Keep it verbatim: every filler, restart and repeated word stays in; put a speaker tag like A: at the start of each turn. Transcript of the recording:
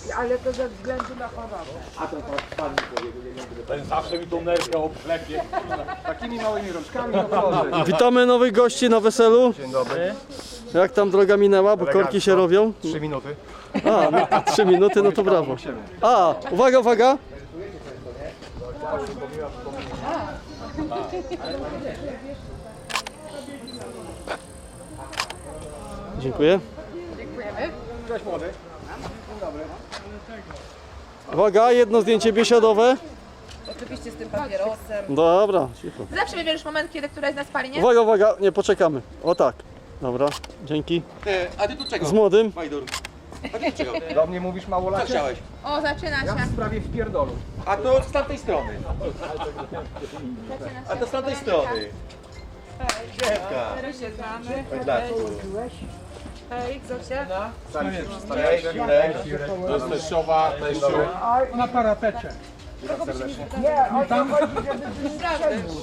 A: Ale to ze względu na chorobę.
B: A ten pan ten zawsze mi tą nerkę obklepie. Takimi małymi rączkami to proszę.
C: Witamy nowych gości na weselu.
B: Dzień dobry.
C: Jak tam droga minęła, bo korki się robią?
B: Trzy minuty.
C: A, no, trzy minuty, no to brawo. A, uwaga, uwaga. Dziękuję.
D: Dziękujemy.
B: Cześć młody.
C: Uwaga, jedno zdjęcie biesiadowe.
D: Oczywiście z tym papierosem.
C: Dobra, cicho.
D: Zawsze wybierzesz moment, kiedy któraś z nas pali, nie?
C: Uwaga, uwaga, nie poczekamy. O tak. Dobra, dzięki.
E: Ty, a ty tu czego?
C: Z młodym.
E: Majdur. A ty tu czego?
B: Do mnie mówisz
E: Co
B: małolacie?
E: chciałeś?
D: O, zaczyna
B: Ja
D: się.
B: w sprawie wpierdolu.
E: A to z tamtej strony.
D: Zaczyna się.
E: A to z tamtej strony. Siemka.
D: Teraz się znamy.
E: Chodź dla
D: Hej, Zosia.
B: Sami się
E: Cześć,
B: przedstawiacie.
E: Jurek.
B: To jest teściowa, teściu.
A: Nie, o to chodzi, żeby wystrzelił.